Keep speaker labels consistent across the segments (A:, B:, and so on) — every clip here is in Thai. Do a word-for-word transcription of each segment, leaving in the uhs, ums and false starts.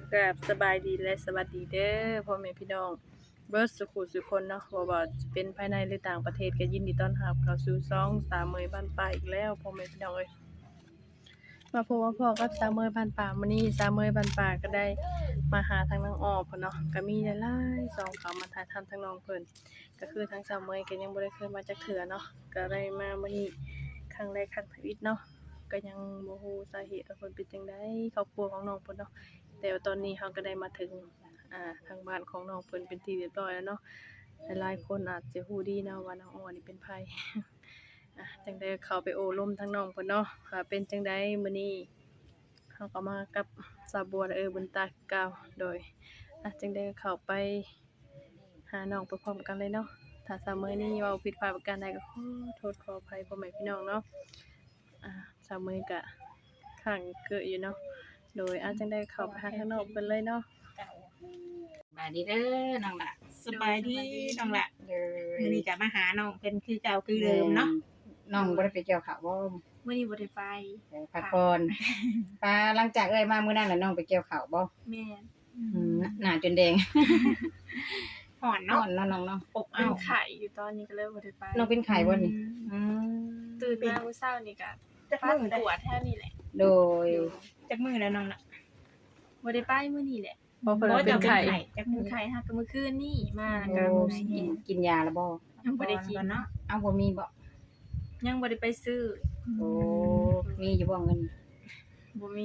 A: กับสบายดีและสวัสดีเด้อพ่อแม่พี่น้องเบิดสุขุสุคนเนาะบ่ว่าจะเป็นภายในหรือต่างประเทศก็ยินดีต้อนรับเข้าสู่ช่องสามเมยบ้านป่าอีกแล้วพ่อแม่พี่น้องเอ้ยมาพบมาพอกับสามเมยบ้านป่ามื้อนี้สามเมยบ้านป่าก็ได้มาหาทางน้องอ้อเพิ่นเนาะก็มีหลายๆสองเขามาถ่ายทำทางน้องเพิ่นก็คือทางสามเมยก็ยังบ่ได้เคยมาจักเทื่อเนาะก็ได้มามื้อนี้ครั้งแรกครั้งชีวิตเนาะก็ยังบ่ฮู้สาเหตุว่าเพิ่นเป็นจังได๋ครอบครัวของน้องเพิ่นเนาะ แต่ว่าตอนนี้เราก็ได้มาถึงอ่าทางบ้านของน้องเพิ่นเป็นที่เรียบร้อยแล้วเนาะหลายๆคนอาจจะฮู้ดีเนาะว่าน้องอ้อนี่เป็นไผ อ่ะจังได๋เข้าไปโอ้ร่มทางน้องเพิ่นเนาะว่าเป็นจังไดมื้อนี้เราก็มากับสาวบัวและเออบุญตาคือเก่าโดยอ่ะจังได๋ก็เข้าไปหาน้องไปพร้อมกันเลยเนาะถ้าสาวมื้อนี้เว้าผิดพลาดประการใดก็ขอโทษขออภัยพ่อแม่พี่น้องเนาะอ่าสาวมื้อก็ข้างเกอะอยู่เนาะ โดยอาจจังได้เข้าไปหาทางนอกเพิ่นเลยเนาะ
B: สบายดีเด้อน้องละ
C: สบายดีน้องละ
B: เด้อ
C: มื้อนี้ก็มาหาน้องเพิ่นคือเก่าคือเดิมเนาะ
B: น้องบ่ได้ไปเกี่ยวข้าวบ่
C: มื้อนี้บ่ได้ไป
B: ไปพักผ่อนปาหลังจากเอ้ยมามื้อนั้นน่ะน้องไปเกี่ยวข้าวบ่
C: แม่น
B: อืมหน้าจนแดง
C: ห่อน
B: นอ
C: เนาะ
B: นเนาะน้องเนาะ
C: อบ
A: เป็
C: อ้าน ว
A: ไข่อยู่ตอนนี้ก็เลยบ่ได้ไป
B: น้องเป็นไข้บ่นี่อืม
A: ตื่นมามื้อเช้านี่ก็
C: จัก
A: ปัด
C: มื้อได้
A: ปวดแถวนี้แหละ
B: โดย
C: จักมื้อแล้วน้องละ
A: บ่ได้ไปมื้อนี้แหละ
C: บ่
A: เพิ่นว่าเป็นไข้
C: จัก
A: เป็
C: มื้
A: น
C: อ
A: ไข้ฮักก็มื้อคืนนี่มา
B: โอ้
A: ก็มื้อ
B: กิ
A: นี้
B: นกินยาแล้วบ่
A: ยังบ่ได้กิน
C: ก่อนเนาะ
B: เอ้าบ่มีบ่
A: ยังบ่ได้ไปซื้อ
B: โอ้มีอยู่บ่เงิน
A: บ่มี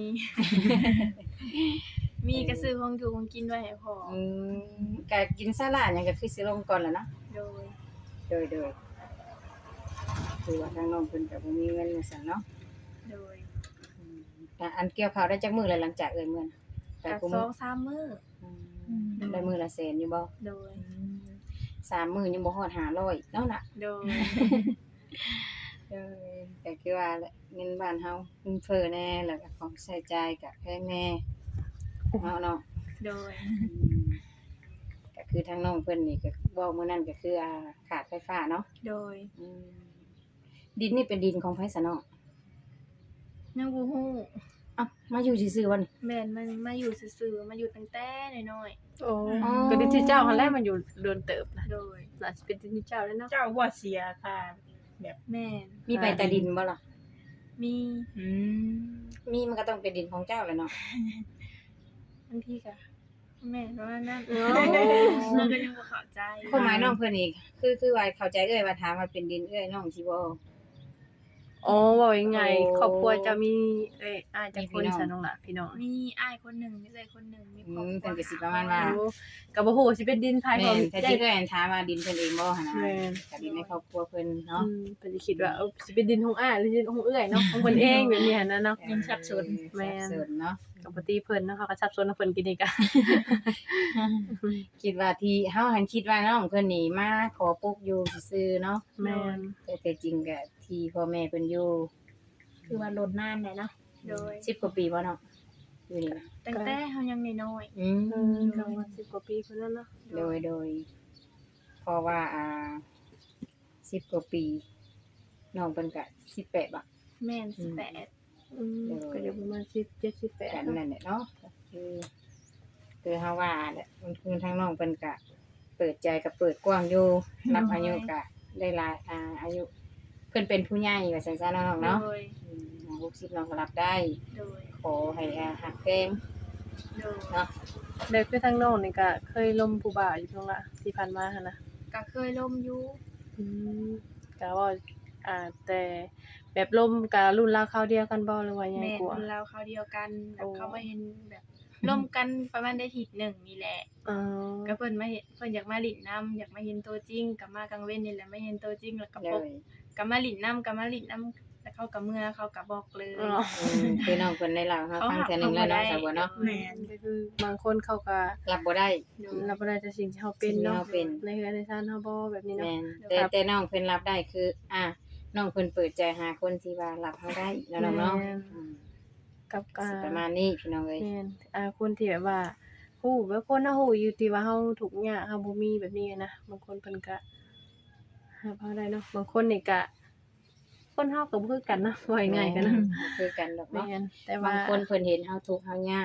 A: มีก็ซื้อของอยู่ของกินไว้ให้พ่อ
B: อืมก็กินซาลาหยังก็คือสิลงก่อนแหล้วเนาะ
A: โดย
B: โดยโดยคือว่าทางน้องเพิ่นก็บ่มีเงินว่าซั่นเนาะ
A: โดย
B: อืมแต่อันเกี่ยวข้าวได้จักมื้อแล้วหลังจากเอ้ยมื้อน่ะไป
A: ก็
B: กู
A: ส
B: มื้
A: อ
B: อง
A: สามมื้อ
B: อืมได้มื้อละแสนอยู่บ่
A: โดย
B: สามมื้อยังบ่ฮอดห้าร้อยเนาะน่ะ
A: โดย
B: เออก็คือว่าแหละเงินบ้านเฮาเงินเฟ้อแน่แล้วก็ของใช้จ่ายก็แพงแน่เนาะเนาะ
A: โดย
B: อืมก็คือทางน้องเพิ่นนี่ก็เว้ามื้อนั้นก็คืออ่าขาดไฟฟ้าเนาะ
A: โดย
B: อืมดินนี่เป็นดินของไผซะเนาะ
A: ยังบ่ฮู้
B: เอ้ามาอยู่ซื่อๆบ่นี่
A: แม่นมันมาอยู่ซื่อๆมาอยู่ตั้งแต่น้อย
D: โอ้
B: อ๋อ
D: ก็ดินที่เจ้าหันแรกมันอยู่เดือนเติบนะ
A: ๆโดย
D: น่าจะเป็นดินที่เจ้าแล้วเนาะ
C: เจ้าบ่เสียค่ะ
A: แม่น
B: มีใบตาดินบ่ล่ะ
A: มี
C: อืม
B: มีมันก็ต้องเป็นดินของเจ้าแหละเนาะ
A: บางทีก็แม่นประมาณนั้น
D: โอ้
A: เราก็ยังบ่เข้าใจ
B: ความหมายน้องเพิ่นนี่คือคือว่าเข้าใจเอ้ยว่าถามว่าเป็นดินเอ้ยน้องสิบ่
D: โอ้ว่ายังไง
B: โอ้
D: ครอบครัวจะมีเอ้ยอ้ายจักคน
B: มีพี่น้อง
D: ซะน้องล่ะพี่น้อง
A: มีอ้ายคนหนึ่งมีเอื้อยคนหนึ่งมี
B: อื
A: ครอบ
B: ม
A: ครั
B: เพิ่
A: วน
B: ก็สิประมาณว่า
D: โอ้ก็บ่ฮู้ว่าสิเป็นดินภาย
B: แม่
D: ของ
B: นแต่ที่เอ้ยถามว่าดินเพิ่นเองบ่หั่นน่ะ
D: แม่น
B: ก็ดินในครอบครัวเพิ่น
D: อื
B: เนาะ
D: มเพิ่นสิคิดว่าเออสิเป็นดินของอ้ายหรือดินของเอื้อยเนาะของเพิ่นเองแบบนี้หั่นนะเนาะ
C: ยังสับสน
D: แม่น
B: สับสนเนาะ
D: ก็บ่ตีเพิ่นเนาะเขาก็สับสนกับเพิ่นกินอีกอะ
B: คิดว่าที่เฮาหันคิดว่าน้องเพิ่นนี่มาขอปลูกอยู่ซื่อๆเนาะ
D: แม่น
B: แต่แต่จริงก็ที่พ่อแม่เพิ่นอยู่
C: คือว่าลดนานได้เนาะ
A: โดย
B: สิบกว่าปีบ่เนาะอยู่นี่นะ
A: ตั้งแต่เฮายังน้อย
B: อืม
D: อืมก็ว่าสิบกว่าปีเพิ่นแล้วเนาะ
B: โดยโดยเพราะว่าอ่าสิบกว่าปีน้องเพิ่นก็สิบแปดบ่
A: ๆแม่นสิบแปด
D: อืมก็อยู่ประมาณสิบเจ็ด สิบแปด
B: กัน
D: เนาะ
B: นั่นแหละเนาะก็คือคือเฮาว่าแหละมันคือทางน้องเพิ่นก็เปิดใจกับเปิดกว้างอยู่รับอายุก็ได้หลายอ่าอายุเพิ่นเป็นผู้ใหญ่ว่าซั่นซะเนาะน้อง
A: โด
B: เนาะ
A: ย
B: อืมหกสิบน้องก็รับได้
A: โดย
B: ขอให้อ่าหักแพง
A: โดย
B: เนาะ
D: แล้วคือทางน้องนี่ก็เคยล้มผู้บ่าวอยู่ตรงละที่ผ่านมาหั่นนะ
A: ก็เคยล่มอยู่
D: อืมก็ว่าอ่าแต่แบบลมกับรุ่นราวคราวเดียวกันบ่หรือว่ายังไง
A: แม่น
D: กว่า
A: คนเราเขาวเดียวกันแบบ
D: โอ้
A: เขามาเห็นแบบล่มกันประมาณได้อาทิศหนึ่งนี่แหละ
D: อ๋อ
A: ก็เพิ่นมาเห็นเพิ่นอยากมาหลินน้ำอยากมาเห็นตัวจริงก็มากลางเว้นนี่แหละมาเห็นตัวจริงแล้วก็
B: เล
A: พบ
B: ย
A: ก็มาหลินน้ำก็มาหลินน้ำแล้วเขาก็เมื่อเขาก็บอกเลย
D: อ๋อ
B: อืมคือน้องเพิ่นได้เล่าให้เราฟังเทื่อหนึงแล้วเนาะสาวบัวเนาะ
C: แม่น
D: ก็คือบางคนเขาก็
B: รับบ่ได้
D: รับบ่ได้แต่สิ่งที่เฮาเป็นเนาะ
B: สิ่งที่เราเป็น
D: ในเฮือนในซ่านเฮาบ่แบบนี้เนาะ
B: แม่นแต่แต่น้องเพิ่นรับได้คือ อ่าน้องเพิ่นเปิดใจหาคนที่ว่ารับเฮาได้แล้วน้องเนาะอืม
D: กับกา
B: สิ
D: ร
B: ประมาณนี้พี่น้องเอ้ย
D: แม่นอ่าคนที่แบบว่าฮู้แบบคนเฮาฮู้อยู่ที่ว่าเฮาทุกข์ยากเฮาบ่มีแบบนี้นะบางคนเพิ่นก็หาเฮาได้เนาะบางคนนี่ก็คนเฮาก็บ่คือกันนะว่าง่ายๆกันนะ
B: บ่คือกันดอก
D: แม่
B: เนาะ
D: นแต่ว่า
B: บางคนเพิ่นเห็นเฮาทุกข์เฮายากเพิ่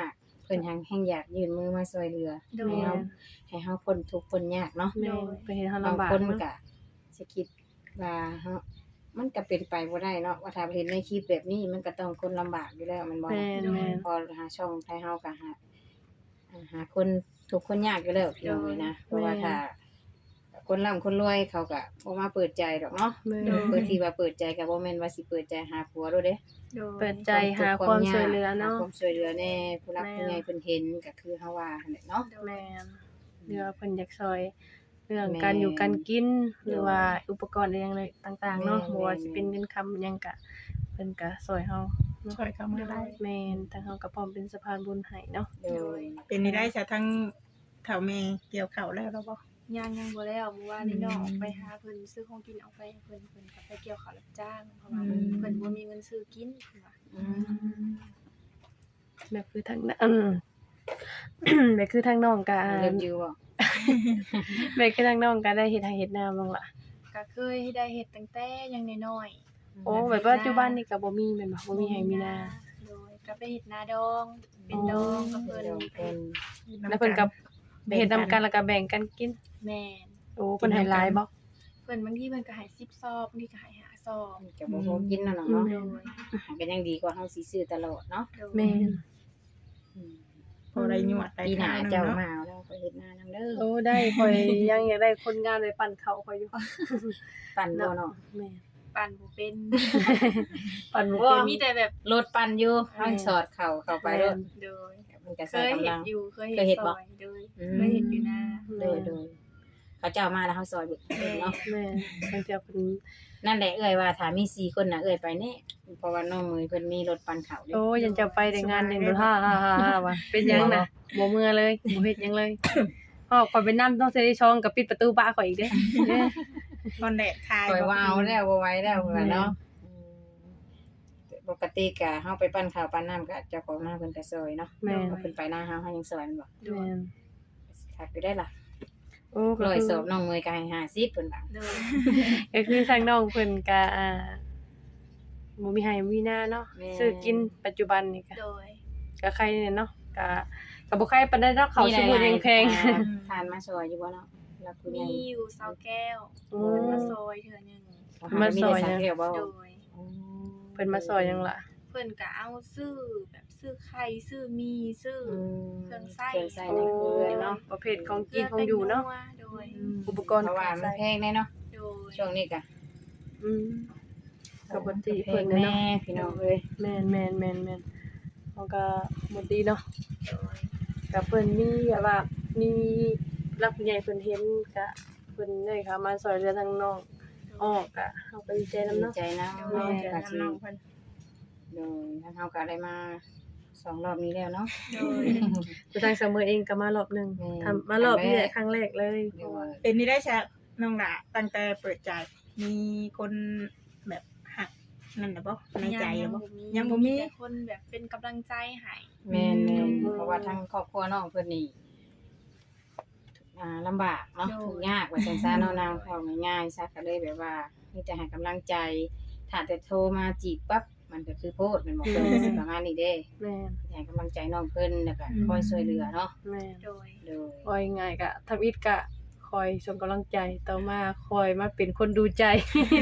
B: พิ่นหังแฮงอยากยื่นมือมาช่วยเหลือ
C: โด
B: ให้
C: ย
B: เฮาให้เฮาพ้นทุกข์พ้นยากเนาะ
D: แม่นไปเห็นเฮา
B: บาง
D: ลำบาก
B: คน
D: เนาะ
B: ก็สิคิดว่าเฮามันก็เป็นไปบ่ได้เนาะว่าถ้าเห็นในคลิปแบบนี้มันก็ต้องคนลำบากอยู่แล้วแมันบ่
D: แม่นแม่น
B: พอหาช่องไทยเฮาก็หาหาคนทุกข์คนยากอยู่แล้วพี่น้องเอ้ยนะเพราะว่าถ้าคนร่ำคนรวยเขาก็บ่มาเปิดใจดอกเนาะ
D: แม่น
B: เปิดที่ว่าเปิดใจก็บ่แม่นว่าสิเปิดใจหาผัวโดดเด้
C: โดย
D: เปิดใจหาความช่วยเหลือเนาะ
B: หความช่วยเหลือแน่ผู้รัก
D: แม่
B: ผู้ใหญ่เพิ่นเห็นก็คือเฮาว่าหั่นแหละเนาะ
D: แม่นหรือว่าเพิ่นอยากซอยเรื่อง
B: แม่น
D: การอยู่การกิน หรือว่าอุปกรณ์อะไรอย่างไรต่างๆเนาะ
B: แม่น
D: บ่ว่าสิเป็นเงินคำหยังก็เพิ่นก็ซอยเฮา
C: ช่วยเข้ามาได้
D: แม่นทางเฮาก็พร้อมเป็นสะพานบุญให้เนาะ
B: โดย
C: เป็นนี่ได้ซะทั้งเฒ่าแม่เกี่ยวข้าวแล้วแล้วบ่
E: ยังยังบ่แล้วเมื่อวานนี้น้องออกไปหาเพิ่นซื้อของกินเอาไปให้เพิ่นเพิ่นก็ไปเกี่ยวข้าวรับจ้างเพราะว่า
C: อืม
E: เพิ่นบ่มีเงินซื้อกินเพิ่นว่า
B: อืม
D: แบบคือทางนั้น แบบคือทางน้องก็
B: เริ่มอยู่บ่
D: แบบคือทางน้องก็ได้เฮ็ดให้เฮ็ดนาบ้างล่ะ
E: ก็เคยได้เฮ็ดตั้งแต่ยังน้อย
D: โอ้แบบปัจจุบันนี่ก็บ่มีแม่นบ่
E: ๆ
D: บ่มีให้มีนา
E: โดยก็ไปเฮ็ดนาดอง เป็นดองกับเพิ่น
B: เดี๋ยวเพิ่น
D: แล้วเพิ่นก็เฮ็ดนำกันแล้วก็แบ่งกันกิน
E: แม่น
D: โอ้เพิ่นให้หลายบ่
E: เพิ่นบางทีเพิ่นก็ให้สิบซอบบางทีก็ให้ห้าซอบ
B: จะบ่พอกินนั่นเนาะเนาะ
E: โดย
B: ก็ยังดีกว่าเฮาสิซื้อตลอดเนาะ
E: โดย
D: แม่น
B: อืม
C: พอได้หยวดได้
B: ปีหน้า
C: ทาง
B: เจ้า
C: เนาะ
B: มาเอาแล้วก็เฮ็ดหน้านำเด้อ
D: โอ้ได้ข่อยยังอยากได้คนงานไปปั่นเขาข่อยอยู่
B: ปั่นบ่เนาะ
D: แม่น
E: ปั่นบ่เป็น
D: ปั่นบ่
B: โอ้
D: เป็น
E: มีแต่แบบ
B: รถปั่นอยู่เฮาสอดเข้าเข้าไปเด้อ
E: โดย
B: มันก็
E: เค
B: ใส่
E: ย
B: กำ
E: เห็
B: ลั
E: น
B: ง
E: อยู่เคย
B: เคยเฮ็
E: เห็
B: ด
E: น
B: บ่
E: ซอยโดย
B: อืม
E: เคยเห็นอยู่นา
B: โดยโดยเขาเจ้ามาแล้วเฮาซอยเบิดเนาะ
D: แม่นบางเทื่อเพิ่น
B: นั่นแหละเอ่ยว่าถ้ามีสี่คนน่ะเอ่ยไปแน่เพราะว่าน้องมือเพิ่นมีรถปั่นเขาวเด้
D: โอ้ยันจะไปแต่งานเด่นบ่ฮ่าๆๆว่ะเป็นหยังน่ะบ่เมื่อเลยบ่เฮ็ดหยังเลยอ้อข่อยไปนำต้องเสิได้ช่องก็ปิดประตูบ้านข่อยอีกเด้เด้
C: ตอนแดดคาย
B: ปล่อย
C: บ่
B: ว่าเอาแล้วบ่ไหวแล้วเพิ่นเนาะอืมปกติก็เฮาไปปั่นข้าวปั่นน้ำก็เจ้าของนาเพิ่นก็ซอยเนาะ
D: แม่น
B: เพิ่นไปนาเฮาเฮายังซอยแม่นบ่
E: โด
D: แม่
E: ย
D: น
B: คักอยู่ได้ล่ะ
D: โอ้ก็
B: ร้อย
D: คือ
B: สอบน้องมือก็ให้ห้าสิบเพิ่นว่า
E: โดย
D: ก็คือทางน้องเพิ่นก็อ่าบ่มีให้มีหน้าเนาะซื้อกินปัจจุบันนี่ก็
E: โดย
D: ก็ใครเนี่ยเนาะก็ก็บ่ใครปานใดเนาะเขาวสิบ่ยังแพง
B: อ่าทานมาซอยอยู่บ่เนาะรับผู้ใหญ่
E: มีอยู่เสาแก้ว
D: อืม
E: เพิ่นมาซอยเทื่อหนึง
D: มาซอย
B: มีแต่สัก
D: นะ
B: เดียวบ่
E: โดย
B: อืม
D: เพิ่นมาซอยหยังล่ะ
E: เพิ่นก็เอาซื้อแบบซื้อไข่ซื้อมีซื้อ
B: อื
E: อ
B: ม
E: เครื่องไส้
B: เครื่องไส้
D: โอ้
B: ในครัว
D: เนาะ
B: เนาะ
D: ประเภทของกินของอยู่เนาะ
E: โดย
D: อุปกรณ์
B: เพราะว่ามันแพงแน่เนาะ
E: โดย
B: ช่วงนี้ก็
D: อืมก็บ่ติ
B: แพ
D: เพิ่
B: ง
D: นเนาะ
B: แน่พี่น้องเอ้ย
D: แม่นแม่นแม่นแม่นเขาก็บ่ดีเนาะ
E: โดย
D: ก็เพิ่นมีแบบว่ามีรับผู้ใหญ่เพิ่นเห็นก็เพิ่นได้เข้ามาช่วยเหลือทางน้องอ้อก็เฮาก็ดีใจนำ
B: ดี
D: เนาะ
B: ใจนะ
C: แม่
B: ก็
C: น
B: สิ
C: น้องเพิ่น
B: โดยทางเฮาก็ได้มาสองรอบนี้แล้วเนาะ
E: โดย
D: คือทางเสมอเองก็มารอบหนึง
B: แม่น
D: ทำมารอบนี้แหละครั้งแรกเลย
B: เดี๋ยวว่า
C: เป็นนี่ได้ซะน้องหล่ะตั้งแต่เปิดใจ มีคนแบบหักนั่นน่ะบ่ในใจ
E: ยั
C: บ่
E: งบ่มี
C: ยังบ่มี
E: แต่คนแบบเป็นกำลังใจให้
B: แม่นแม่น
D: อืม
B: เพราะว่าทางครอบครัวน้องเพิ่นนี่อ่าลำบากเนาะทุกข์ยากว่าซั่นซะเนาะนางเข้าง่ายๆซะก็เลยแบบว่ามีแต่ให้กำลังใจถ้าแต่โทรมาจีบปั๊บมันก็คือโพดแม่นบ่เพิ่นก็สิประมาณนี้เด้
D: แม่น
B: ให้กำลังใจน้องเพิ่นแล้วก็คอยช่วยเหลือเนาะ
D: แม่น
E: โดย
B: โดย
D: คอยง่ายก็ทำอิดก็คอยส่งกำลังใจต่อมาคอยมาเป็นคนดูใจ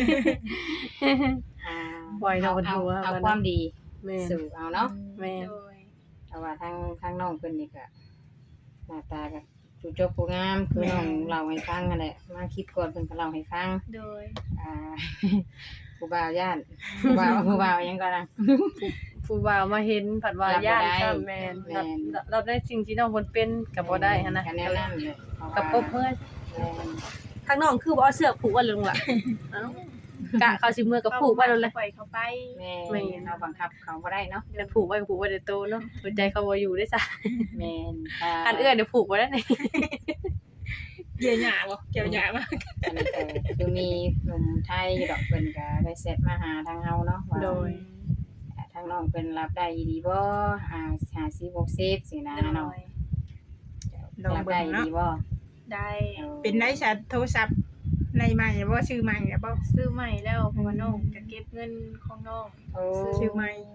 B: อ่า
D: ปล่อยน้อง
B: เอา
D: หัว
B: เอา
D: ว่า
B: ความดี
D: แม่น
B: สู่เอาเนาะ
D: แม่น
E: โดย
B: แต่ว่าทางทางน้องเพิ่นนี่ก็หน้าตาก็จูจบผู้งามคือน้องเล่าให้ฟังนั่นแหละมาคลิปก่อนเพิ่นก็เล่าให้ฟัง
E: โดย
B: อ่า ผู้บ่าวย่านผู้บ่าวผู้บ่าวหยังก็นะ
D: ผู้บ่าวมาเห็นผัดว่า
B: รับบ่
D: ย่าน
B: ได้
D: ซ้ำแม่น
B: แม่
D: รับ
B: น
D: รับได้สิ่งที่น้องเพิ่นเป็นก็บ่ได้หันนะ
B: ก็แนวนั้นเลยเพราะว่า
D: กับปบเมื่อ
B: แม่น
D: ทางน้องคือบ่เอาเสื้อผูกไว้ลงล่ะเอ้ากะเขาสิเมื่อก็ผูกไว้แล้วแหละ
E: ปล่อยเขาไป
B: แม่
D: แม่
B: นเราบังคับเขาบ่ได้เนาะ
D: แต่ผูกไว้ก็ผูกไว้แต่โตเนาะหัวใจเขาบ่อยู่ได้ซะ
B: แม่น
D: คันเอื้อเดี๋ยวผูกไว้แล้วนี่
C: เกี่ยวหญ้าบ่เกี่ยวหญ้ามา
B: อันนี้ก็คือมีหนุ่มไทยอยู่ดอกเพิ่นก็ได้เซตมาหาทางเฮาเนาะว่า
D: โดย
B: อ่าทางน้องเพิ่นรับได้ดีบ่อ่าห้าสิบ หกสิบสินะ
E: โด
B: เนาะ
E: ย
C: ลอง
B: รับ
C: เบิ่
B: ได้
C: งเนาะ
B: ดีบ่
E: ได้
C: เป็นได้ซะโทรศัพท์ในใหม่บ่ชื่อใหม่แล้วบ่
E: ซื้อใหม่แล้วเพราะว่าน้องจะเก็บเงินของน้อง
B: โอ้
C: ชื่อใหม่
E: โดย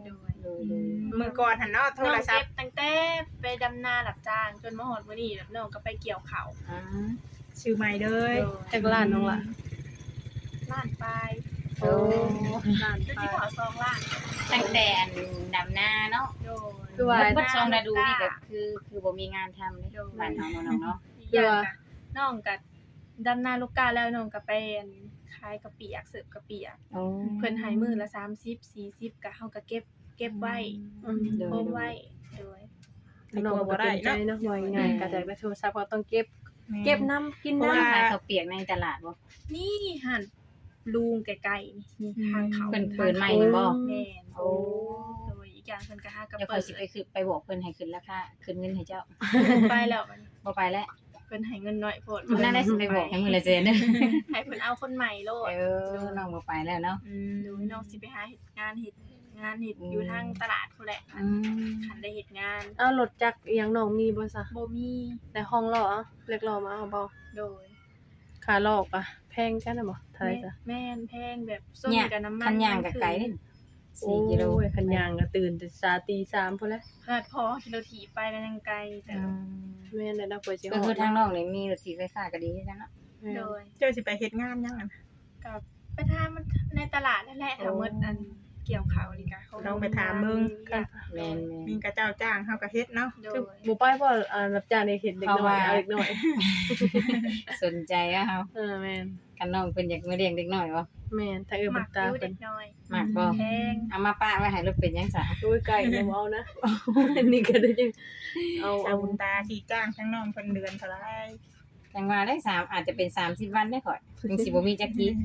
B: โดยโดย
C: มือก่อนหันเนาะโท
E: น้อง
C: รศั
E: เก็
C: พ
E: บ
C: ท์
E: ตั้งแต่ไปดำนารับจ้างจนมาฮอดมื้อนี้แบบน้องก็ไปเกี่ยวข้าว
B: อ่า
C: ชื่อใหม่เลย
D: จักล้านน้องล่ะ
E: ล้านปลาย
B: โอ้
D: ล้าน
E: จน
D: ไป
E: ที่ขอซองล้าน
B: ตั้งแต่อันดำนาเนาะ
E: โดย
D: คือว่า
B: เบิดช่วงฤดูนี่ก็คือคือบ่มีงานทำเลยบ้านเฮาเนาะเนาะ
E: อีกอย่างก็น้องก็ดำนาลูกกาแล้วน้องก็ไปอันขายกะปิอยากเสิร์ฟกะปิอ่ะ
B: โอ้
E: เพิ่นให้มื้อละสามสิบ สี่สิบก็เฮาก็เก็บเก็บไว้
D: อืม
B: โดย
E: โพมไว้โดย
D: น้องก็เป็นใจเนาะว่าง่ายๆก็จากได้โทรศัพท์ก็ต้องเก็บ เก็บน้ำกิน
B: เพราะ
D: น้ำ
B: ว่าขายข้าวเปียกในตลาดบ่
E: นี่หั่นลุงไกลๆนี่ทางเขา
B: เพิ่นเปิดใหม่นี่บ่
E: แม่น
B: โอ้
E: โดยอีกอย่างเพิ่นก็หากระ
B: เดี๋ยว
E: เปิ
B: ค่อย
E: ด
B: สิไปคือไปบอกเพิ่นให้ขึ้นราคาขึ้นเงินให้เจ้า
E: ไปแล้วมัน
B: บ่ไปแล้ว
E: เพิ่นให้เงินน้อยโพด
B: น่าได้สิไปบอกให้มื้อละแสนเด้อ
E: ให้เพิ่นเอาคนใหม่โลด
B: เออน้องบ่ไปแล้วเนาะ
C: อืม
E: ดูน้องสิไปหาเฮ็ดงานเฮ็ดงานเฮ็ด
B: อืม
E: อยู่ทางตลาดพุ่นแหละ
B: อืม
E: คันได้เฮ็ดงาน
D: เอารถจักรอีหยังน้องมีบ่ซะ
E: บ่มี
D: ในห้องรออะเรียกรอมาเอาบ่
E: โดย
D: ค่ารอกอะแพงกันน่ะบ่เท่าไหร่จ้ะ
E: แม่นแพงแบบส้ม
B: เนี่ย
E: กับน้ำมัน
B: คันย่างกับไก่นี่สี่กิโล
D: โอ้ยคันยางก็ตื่นแต่สาตีสามพุ่นแหละ
E: ขนาดพอกิโลถีบไปแล้วยังไกลแต่
B: อืม
D: แม่นได้ดอกเปิดสิฮ
B: ก็
D: อด
B: คือทางน้องนี่มีรถถีบไฟฟ้าก็ดีจังเนาะ
D: แม่น
E: โดย
C: เจ้าสิไปเฮ็ดงานยังอะ
E: กับไปทามมันในตลาดนั่นแหละถ้าหมดอันเกี่ยวข้าวนี่ก็เขา
C: ลองไปถามมึง
E: กัน
B: แม่น
C: มีกระเจ้าจ้างเฮาก็เฮ็ดเนาะ
E: โด
D: คือย บ่ไปบ่อ่ารับจ้างในเฮ็ดเด็กน้อยเอาเด็กน้อย
B: ๆสนใจอะเฮา
D: เออแม่น
B: กันน้องเพิ่นอยากมาเลี้ยงเด็กน้อยบ่
D: แม่นถ้าเอิ้น
E: ห
D: บั
E: มั
D: ก
E: ก
D: ตา
E: อยู่
D: เพิ่
E: เด็
D: น
E: กน้อย
B: มากบ่
E: แพง
B: เอามาป้าไว้ให้รถเป็นจังซะ
D: โอ้ยไก่เนี่ยบ่เอานะ อันนี้ก็ได้จังเอา
C: ชา
D: เอา
C: บุญตาที่จ้างทั้งน้องเพิ่นเดือนเท่าไหร่
B: จังว่าได้สามอาจจะเป็นสามสิบวันได้ข่อยถึงสิบ่มีจักกี้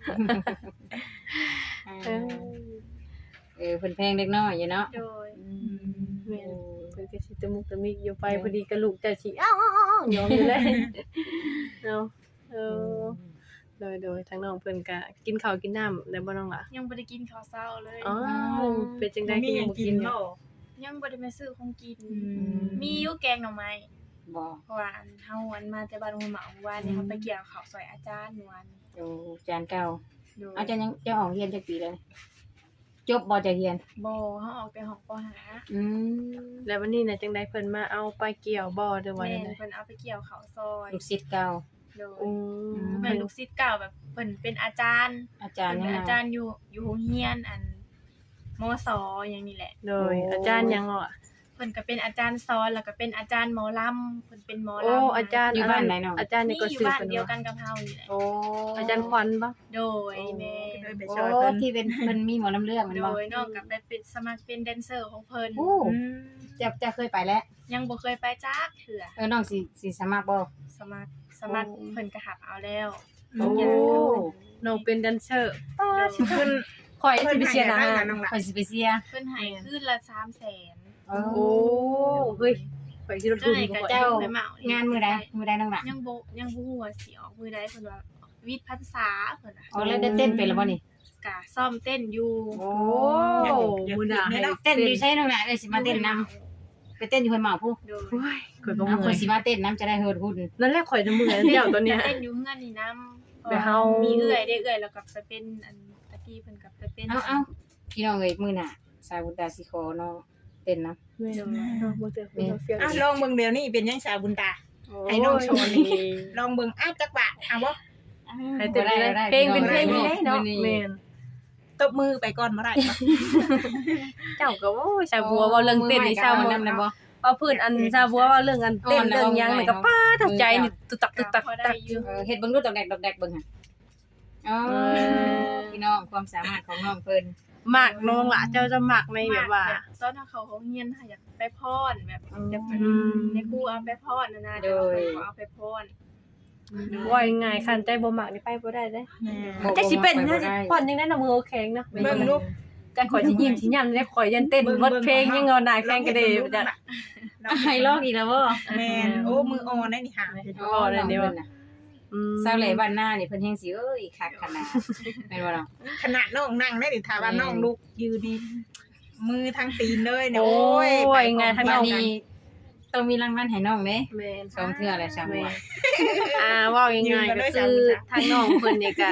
D: เออ
B: เออเพิ่นแพงเด็กน้อยอยู่เนาะ
E: โดย
D: แม่นเพิ่นก็สิตะมุกตะมิกอยู่ไปพอดีก็ลูกจะสิอ้าวๆๆยอมอยู่เลยเนาะเออโดยโดยทางน้องเพิ่นก็กินข้าวกินน้ำได้บ่น้องล่ะ
E: ยังบ่ได้กินข้าวเช้าเลย
D: อ๋อเป็นจังได๋
C: มี
D: คือ
C: ห
D: ยั
C: ยัง ง
D: บ่
C: กิ
D: กิ
C: น
D: นอยู่
C: บ่
E: ยังบ่ได้ไปซื้อของกิน
C: อืม
E: มีอยู่แกงหน่อไม้
B: บ่
E: เพราะว่าอันเฮาอันมาแต่บ้านหัวเหมาว่านี่เฮาไปเกี่ยวข้าวซอยอาจารย์นวล
B: โอ้จานเก่า
E: โดย
B: เอาจะยังจะออกเรียนจักปีแล้วจบบ่จะเรียน
E: บ่เฮาออกแต่ห้องปห้า
B: อืม
D: แล้ววันนี้น่ะจังได๋เพิ่นมาเอาไปเกี่ยวบ่หรือว่า
E: แม่
D: จัง
E: น
D: ได๋
E: เพิ่นเอาไปเกี่ยวข้าวซอย
B: ลูกศิษย์เก่า
E: โดย
D: อื
B: ม
E: แม่นลูกศิษย์เก่าแบบเพิ่นเป็นอาจารย์
B: อาจารย์
E: เพิ่น
B: ยังไง
E: เป็นอาจารย์อยู่อยู่โรงเรียนอันมสอย่างนี้แหละ
D: โดยอาจารย์หยังเนาะ
E: เพิ่นก็เป็นอาจารย์สอนแล้วก็เป็นอาจารย์หมอลำเพิ่นเป็นหมอ
D: โอ้
E: ลำ
D: อาจารย์
B: อยู่บ้านไหนน้อง
D: อาจารย์
E: นี่
D: นี่ก็
E: อยู่
D: ชื่อ
E: บ้าน
D: เพิ่น
E: เดียวกั
D: ว่าน
E: กับเฮานี่แหละ
B: โอ้
D: อาจารย์ควันบ่
E: โดยแม่
C: เลยไป
B: โอ้
C: ช่วยเพิ่น
B: ที่เป็นเพิ่นมีหมอลำเรื่องมัน
E: โด
B: บ่
E: ยนอกกับไปเป็นสมัครเป็นแดนเซอร์ของเพิ่น
B: โอ้
C: อืม
B: จะจะเคยไปแล้ว
E: ยังบ่เคยไปจักเทื่อ
B: เออน้องสิสิสมัครบ่
E: สมัครสมัครเพิ่นก็หับเอาแล้ว
B: โอ้
D: น้องเป็นแดนเซอร์
E: โดย
C: เพิ่น
D: ข่อยสิไปเชียร์หนะ
C: เพิ่น
D: ฮะ
C: ให้อะไรกับน้องล่ะ
B: ข่อยสิไปเสีย
E: เพิ่นให้คืนละสามแสน
B: โอ้
D: โอ้เฮ้ยข่อยสิลดทุน
E: ให้
D: บ่
E: กับ
D: ข่อย
E: เจ้า
B: เจ้า
E: ไปเหมาง
B: านมื้อใดมื้อใดน้องล่ะ
E: ยังบ่ยังบ่ฮู้ว่าสิออกมื้อใดเพิ่นว่าวิทย์พรรษาเพิ่นน่ะ
B: อ๋อแล้วได้เต้นเป็นแล้วบ่นี่
E: กะซ่อมเต้นอยู่
B: โอ้
D: โอ้มื้อหน้าให้
B: เต้นอยู่ใช่น้องล่ะเอ้ยสิมาเต้นนำไปเต้นอยู่ห้วยหมากผู้
E: โดย
D: โอ้ยข่อยก็
B: เอา
D: เมื่
B: ข่
D: อ
B: อย
D: ย
B: สิมาเต้นนํจะได้เฮิดหุ่น
D: นั่นแหละข่อยจะเมื่อยเจ้าตัวเนี้ย
E: เต้นอยู่เฮือนนี่นำ
D: ไปเฮา
E: มีเอื้อยได้เอื้อยแล้วก็ไปเป็นอันตะกี้เพิ่นก็ไปเป็น
B: เอาเอาพี่น้องเอ้ยมื้อหน้าสาวบุญตาสิขอน้องเต้นนำ
D: แม่เนาะบ่เจอคนเฟียง
C: อ่ะลองเบิ่งเดี๋ยวนี้เป็นยังชาบุญตา ให้น้องโชว์นี่ ลองเบิ่งอ้าวจักบาทเอาบ่
D: ให้เต้นได้เพลงเป็นเพลงนี่เนาะแม่น
C: ตบมือไปก่อนบ่ได้บ่
D: เจ้าก็โอ้ยชาวบัวเว้าเรื่องเต้นนี่ชาว
B: มัน
D: บัว
B: นำได้บ่
D: เอาพื้นอันชาวบัวเว้าเรื่องอันเต้นเรื่องหยังนี่ก็ป้าทักใจนี่ตุตักตุตัก
E: พอ
D: ตั
E: ได้
D: ก
E: อ
D: อยู่
E: ยู่
B: เออเฮ็ดเบิ่งดูดอกแดกดอกแดกเบิ่งหั่นอ๋อ
D: เออ
B: พี่น้องความสามารถของน้องเพิ่น
D: มากน้องล่ะเจ้าจะมักในแบบว่า
E: ตอนถ้าเขาเขาเฮียนอยากไปพรแบบอยากไป
D: อืม
E: ในครูเอาไปพรนะนะเดี๋ยวเพิ่นก็เอาไปพร
D: ว่ายังไงคันใจบ่มักนี่ไปบ่ได้เด้
C: แม่
B: บ่
D: จักสิเป็น
B: บ่
D: นะ
B: ได้
D: ผ่อนยังได้น่ะมือแข็งเนาะ
C: เบิ่งลูก
D: จังข่อยสิยิ้มสิย่ํได้ข่อยยันเต้นบทเพลงยังเงาหน้าแข็งก็ได้จ้ะ
B: ให้ลอกอีกแล้วบ่
C: แม่นโอ้มืออ่อนได้นี่หา
B: อ๋อนั่นเด้อน่ะ
D: อืม
B: สาวเหล่บ้านหน้านี่เพิ่นแฮงสิเอ้ยคักขนาดแม่นบ่ล่ะ
C: ขนาดน้องนั่งได้นี่ถ้าว่า
B: แม่น
C: น้องลุกยืนนี่มือทางตีนเลยเนี่ย
D: โอ้
C: โอ้
D: ย
C: ย
D: ว่ายังไงทาง
B: บั
D: น้
B: ด
D: อง
B: นี้ต้องมีรางวัลให้น้องเด้
D: แม่น
B: สองเทื่อแล้วสาม
D: แม่
B: บัว
D: อ่าเว่ายังไงก็คือทางน้องเพิ่นนี่ก็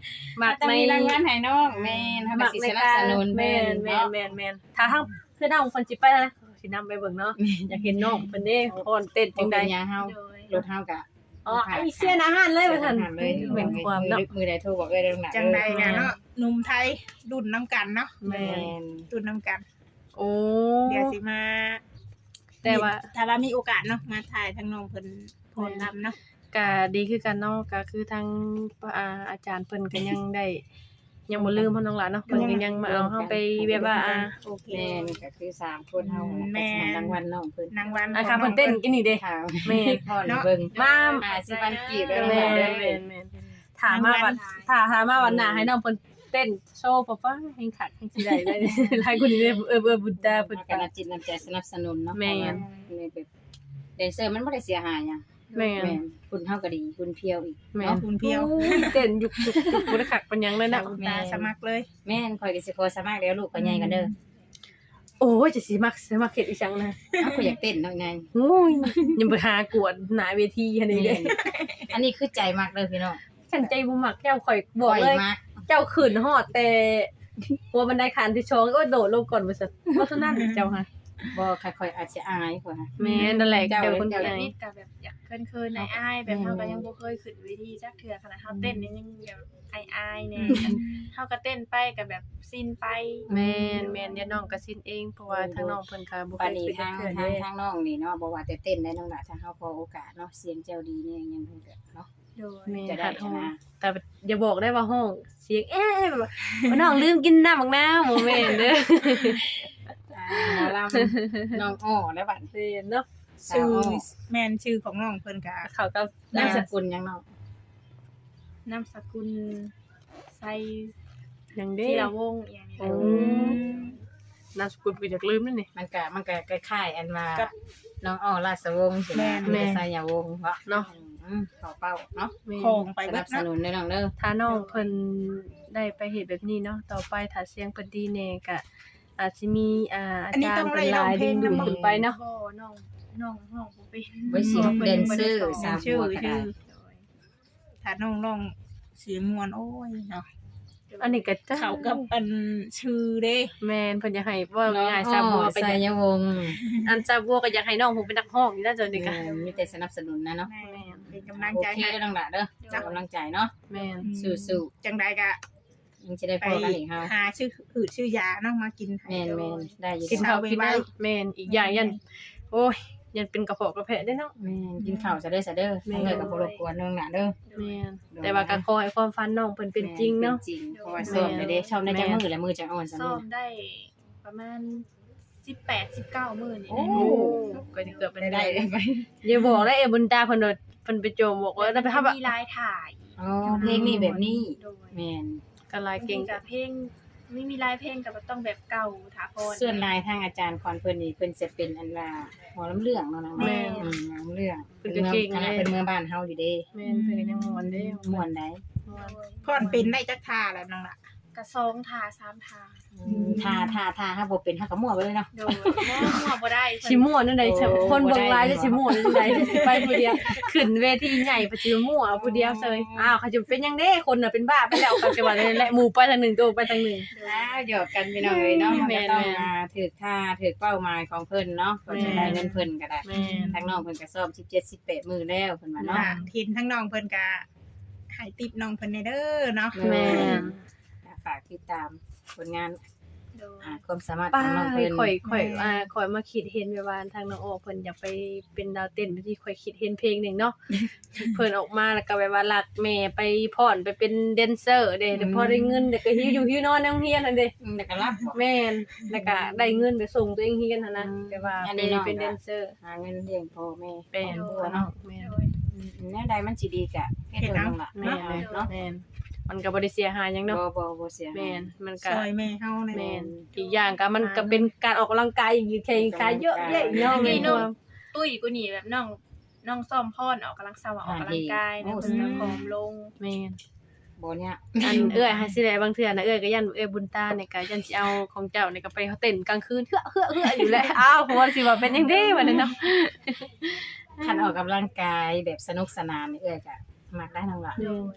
A: มัก
B: ต้อง
A: ใน
B: มีรางวัลให้น้องแม่นเฮาก็
A: มัก
B: สิ
A: ใน
B: สนับ
A: การ
B: สนุน
A: แม่
B: เพิ่
A: น
B: น
A: แม่น
B: เนาะ
A: แม่นแม่นถ้าทางคือน้องเพิ่นสิไปแล้วนะสินำไปเบิ่งเนาะอยากเห็นน้องเพิ่นเด้ฟ้อนเต้น
B: จั
A: จั
B: ง
A: ง
B: ได๋
A: ได๋
B: ยางเฮา
E: โดย
B: รถเฮาก็
A: อ๋อไอ้เสียนอาหารเลยว่าซั่น
B: เลย
A: แม่นความเนาะ
B: มือใดโทรบอกเอ้ยเรื่องหนัก
C: จังใดกันเนาะหนุ่มไทยรุ่นน้ำกันเนาะ
A: แม่
B: แม่
A: น
B: น
C: รุ่นน้ำกัน
A: โอ้
C: เดี๋ยวสิมา
A: แต่ว่า
C: ถ้าว่ามีโอกาสเนาะมาถ่ายทางน้องเพิ่นพรรำเนาะ
A: ก็ดีคือกันเนาะก็คือทางอ่าอาจารย์เพิ่นก็ยังได้ยังบ่ลืมเพิ่นน้องหลานเนาะเพิ่นก็ยังมาเอาเฮาไปแบบว่าอ่า
C: โอเค
B: แม่นก็คือสามคนเฮาแม่นรางวัลน้องเพิ่น
C: นางวัน
A: อ่ะค่ะเพิ่นเต้นกินนี่เด้
B: ค่ะ
A: แม่น
B: พ่อนี่เบิ่ง
A: มา
B: หาสิบันกีบเด้อ
A: แม่
B: แม่
A: น
B: เด้
A: แม่
B: อน
A: แม่นถามมาวันถ้าถามมาวันหน้าให้น้องเพิ่นเต้นโชว์ป๊าป๊าแห่งขัดแห่งสิได้ได้หลายคนนี่เด้อเออเออบุญตาเพิ่น
B: เฮา
A: ก็
B: ก็น่าจิตน้ำใจสนับสนุนเนาะ
A: แม่น
B: ในแบบแดนเซอร์มันบ่ได้เสียหายหยัง
A: แม่น
B: แม่นคุณเฮาก็ดีคุณเพียวอีก
A: แม่น
B: เนาะ
C: คุณเพียว
A: เต้นยุกยุกยุกบ่ได้คักปานหยังเลยนะ
C: คุณตาสมัครเลย
B: แม่นข่อยก็สิขอสมัครแล้วลูกก็ใหญ่กันเด้อ
A: โอ้ยจะสิมักสิมักเฮ็ดอีจังนะ
B: เฮาก็อยากเต้นเนาะไง
A: โอ้ยยังไปหากวดหน้าเวทีหั่นนี่เด้
B: อันนี้คือใจมากเด้อพี่น้อง
A: ฉันใจบ่มักเจ้าข่อยบอกเลย
B: มาก
A: เจ้าขืนฮอดแต่หัวบันไดขันที่ชองก็โดดลงก่อนว่าซั่นเพราะฉะนั้นเจ้าค่ะ
B: บ่ค่อยๆอาจจะอายกว่า
A: แม่นั่นแหละ
B: เจ้า
A: เจ้าคน
B: เจ้า
A: ไหน
E: นิดก็แบบอยากเคินๆในอ้ายแบบเฮาก็ยังบ่เคยขึ้นเวทีจักเทื่อขนาดเฮาเต้นนี่ยังแบบอายๆแน่เฮาก็เต้นไปก็แบบซินไป
A: แม่นแม่นเดี๋ยวน้องก็สิ้นเองเพราะว่าทางน้องเพิ่นก็บ่เค
B: ปาน
A: ย
B: นี้
A: เป็น
B: ทาง
A: เทื่อ
B: ทาง
A: เด้
B: ทางน้องนี่เนาะบ่ว่าแต่เต้นได้น้องล่ะถ้าเฮาพอโอกาสเนาะเสียงเจ้าดีเนี่ยยังเพิ่นก็เนาะ
E: โดย
A: แม่น
B: จะได้
A: ค่ะท้อง
B: นะ
A: แต่อย่าบอกได้ว่าห้องเสียงเอ๊ะแบบว่าน้องลืมกินน้ำบักน้ำบ่แม่นเด้อ
B: อ่าหมอลำน้องอ้อแล้วบัด
A: แม่นเนาะ
C: ชื่อแม่นชื่อของน้องเพิ่นก็
A: เขาก็
B: นามสกุลยังน้อง
E: นามสกุลไซ
A: ยังเด้
E: ที่ละวงอย่างนี้
A: โอ้นามสกุลก็อยากลืมนั่นนี่
B: มันก็มันก็คล้ายๆอันว่า
C: กับ
B: น้องอ้อราชวงศ์สินะ
A: แม่น
B: แม่สายาวงศ์เนาะ
A: เนาะ
B: อืมขอเป้าเนาะ
A: แม่น
C: ของไป
B: ส
C: เบิ
B: นั
C: ด
B: บส
C: เนาะ
B: นุนเด้อน้องเด้อ
A: ถ้าน้องเพิ่นได้ไปเฮ็ดแบบนี้เนาะต่อไปถ้าเสียงเพิ่นดีแน่ก็อาจสิมีอ่าอาจารย์เพิ่นหลายดึงดูดขึ้นไปเนาะ
E: บ่น้องน้องห้องบ่เป็น
B: ไว้สิแดนเซอร์
E: บ่
B: สาว
C: ชื่อ
B: บัวก็ได้
C: ชื่อถ้าน้องน้องเสียงมวนโอ้ยเนาะ
A: อันนี้ก็จะ
C: เขากับอันชื่อเด้
A: แม่นเพิ่นอยากให้ว่า
B: น้อง
A: ง่ายๆ
B: อ้
A: ซาบัว
B: อ
A: ก็อยา
B: สาก ยวงศ์
A: อันซาบัวก็อยากให้น้องผมเป็นนักร้องอยู่แล้วจนนี่ก็
B: แม่มีแต่สนับสนุนนะเนาะ
C: แม่เป็นกำลัง
B: โอ
C: ใจ
B: เค
C: ให้
B: เด้อน้องล่ะเด้อเป็นกำลังใจเนาะ
A: แม่น
B: สู้
C: จังใดก็
B: ยังสิได้
C: ไป
B: พอกันอีกเฮา
C: หาชื่อหืดชื่อยาเนาะมากินให้
B: แม่นแม่นได้อยู่
A: กิน
B: เด้อ
A: ข้าว
C: เช้า
A: กิน
C: ไว้
A: น้ำแม่นอีกอย่างยันโอ้ยยันเป็นกระเพาะกระเพาะได้เนาะ
B: แม่นกินข้าวซะเด้อซะเด้อ
A: แม่
B: ทางเด้อก็บ่รบกวนน้องล่ะเด้อ
A: แม่นแต่ว่าก็ขอให้ความฝันน้องเพิ่นเป็นจริงเนาะ
B: ป็จริงเพราะว่าซ้อมได้เด้ชอบในจังมือและมือจังอ่อนซะ
E: ซ้อ
B: มื้อ
E: มได้ประมาณสิบแปด สิบเก้ามื้อนี่
B: โอ้
E: นะ
A: โอ้ก็จะเกือบเป็น
B: ได้
A: ได้
B: ได้ไป
A: อย่าบอกได้เอบุญตาเพิ่นว่าเพิ่นไปโจมบอกว่าถ้าไปเฮาแบบ
E: มีลายถ่าย
B: อ๋อเพลงนี้แบบนี้
E: โดย
B: แม่น
A: ก็ลายเก่ง
E: กับเพลงไม่มีลายเพลงกับต้องแบบเก่าถาพร
B: ส่วนลายทางอาจารย์คอนเพิ่นนี่เพิ่นจะเป็นอันว่าหมอลำเรื่องเนาะนะ
A: แม่
B: อืมหมอลำเรื่อง
A: เพิ่นก็เก่ง
B: คณะ
A: เลย
B: เป็นเมืองบ้านเฮาอยู่เด้
A: แม่นเพิ่นก็ยังม่วนเด้
B: ม่วนได้
A: ม่วน
C: พรเป็นได้จักท่าแล้วน้องล่ะ
E: กระซองทาสามทา
B: ท่าท่าท่าเฮาบ่เป็นเฮาก็มั่วไปเลยเนาะ
E: โดยบ่หัวบ่ได้
A: สิม่วนนั่นใด
B: โอ้
A: คนเบิ่งหลาย
B: บ่ได้
A: จะสิม่วนนั่นใดไปผู้เดียวขึ้นเวทีใหญ่ไปสิม่วนเอาผู้เดียวเซยอ้าวเขาจะเป็นจังได๋คนน่ะเป็นบ้าไปแล้วก็จะว่าแหละหมู่ไปทางหนึงตัวไปทางหนึง
B: อ้าวหยอกกันพี่น้องเอ้ยเนาะ
A: แม่
B: มัน
A: น
B: ก็ต้อง
A: แม่น
B: มาถือท่าถือเป้าหมายของเพิ่นเนาะก็จะได้เงินเพิ่นก็ได้
A: แม่น
B: ทางน้องเพิ่นก็ซ้อมสิบเจ็ด สิบแปดมื้อแล้วเพิ่นว่าเนาะ
C: ค่ะทินทั้งน้องเพิ่นก็ให้ติปน้องเพิ่นในเด้อเนาะ
A: แม่น
B: ฝากติดตามผลงาน
E: โดย
B: อ่าความสามารถข
A: ป้า
B: องน้องเพิ่น
A: ข่อยข่อยอ่าข่อยมาคิดเห็นแบบว่าทางน้องโอเพิ่นอยากไปเป็นดาวเต้นที่ข่อยคิดเห็นเพลงหนึงเนาะ เพิ่นออกมาแล้วก็แบบว่ารักแม่ไปพ่อนไปเป็นแดนเซอร์เด้แล้วพอได้เงินเด็กก็หิวอยู่หิวนอนในโรงเรียนนั่นเด้
B: อืมแล้วก็รับบ่
A: แม่นแล้วก็ได้เงินไปส่งตัวเองเรียนหั่นนะ
B: อืม
A: แบบว่า
B: อัน
A: ไป
B: นี้น้อง
A: เป็นแดนเซอร์
B: หาเงินเลี้ยงพ่อแม่
A: เป็น
B: ครอบครัว
A: เนาะ
B: เนาะ
A: แม่น
E: โดย
B: อืมแนวใดมันสิดีก็เฮ็ดเด้อน้องล่ะ
A: แม่น
B: เนาะเนาะ
A: แม่นมันก็บ่ได้เสียหายหยังเนาะ
B: บ่บ่บ่เสียหาย
A: แม่นมันก็
C: ซอยแม่เฮาใน
A: แม่นอีกอย่างก็มันก็เป็นการออกกำลังกายอีกแข่งกายเยอะแยะอีกเนาะแม่นบ่
E: ตุ้ยกูนี่แบบน้องน้องซ้อมพรออกกำลังสาวออกกำลังกายนะเพิ่นก็ผอมลง
A: แม่น
B: บ่เนี่ย
A: อันเอื้อยให้สิได้บางเทื่อนะเอื้อยก็ยันเอื้อยบุญตาเนี่ยก็ยันสิเอาของเจ้าเนี่ยก็ไปเต้นกลางคืนเฮือเฮือเฮืออยู่แหล้วอ้าวผมว่าสิว่าเป็นจังได๋บัดนี้เนาะ
B: คันออกกำลังกายแบบสนุกสนานนี่เอ้ยก็มักได้น้องล่ะ
E: โดย
B: เพ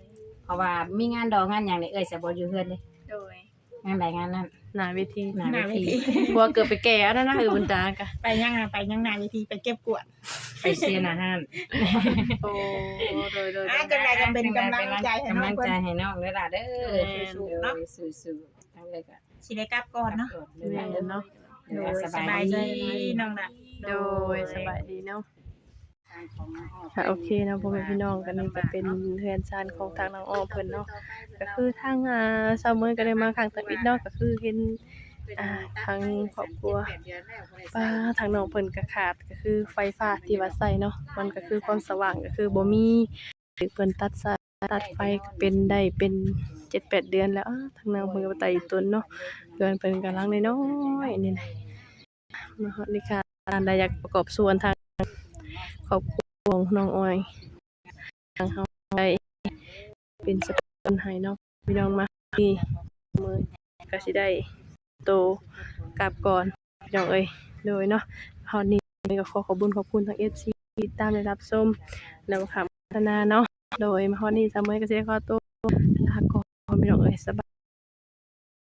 B: เพราะว่ามีงานดอกงานหยังนี่เอ้ยสิบ่อยู่เฮือนเด้
E: โดย
B: งานใดงานนั้น
A: หน้าเวที
B: หน้า
C: หน้า
B: เว
C: เว
B: ที
C: ที
A: บัวเกือบไปแก่แล้วนะเออบุญตากะ
C: ไปยังอะไปยังหน้าเวทีไปเก็บกวด
B: ไปเชียร์อาหาร
A: โอ้โดยโดย
C: อ่ะจังไดก็เป็นกำลังใจให้น้อง
B: กำลัง
C: เพิ่
B: ใจ
C: น
B: ให้น้องเด้อล่ะเด้อ
C: สู้ๆเนาะ
B: สู้ๆทั้งเลยก็
C: สิได้กลับก่อนเนาะ
B: เด้อ
A: แม่นเนาะ
C: โดยสบายใจน้องละ
A: โดยสบายดีเนาะค่ะโอเคเนาะพ่อแม่พี่น้องกันนี่ก็เป็นเฮือนซานของทางน้องอ้อมเพิ่นเนาะก็คือทางอ่าซาวเมยก็ได้มาครั้งตังอีกเนาะก็คือเห็นอ่าทางครอบครัวป้าทางน้องเพิ่นก็ขาดก็คือไฟฟ้าที่ว่าใช้เนาะมันก็คือความสว่างก็คือบ่มีหรือเพิ่นตัดสายตัดไฟก็เป็นได้เป็น เจ็ดแปด เดือนแล้วอ้าทางน้องเพิ่นก็บ่ไต่อีกต้นเนาะเดือนเพิ่นกำลังน้อยๆนี่นะมาฮอดนี่ค่ะอันใดอยากประกอบส่วนทางครอบครัวของน้องอ้อยทางเฮาได้เป็นสะพานให้เนาะพี่น้องมาที่มือก็สิได้โตกลับก่อนพี่น้องเอ้ยโดยเนาะฮอดนี้ก็ขอขอบคุญขอบคุณทาง เอฟ ซี ที่ตามได้รับชมแล้วก็คำพัฒนาเนาะโดยมาฮอดนี้ซะมื้อก็สิได้ขอตัวลาก่อนพี่น้องเอ้ยสบาย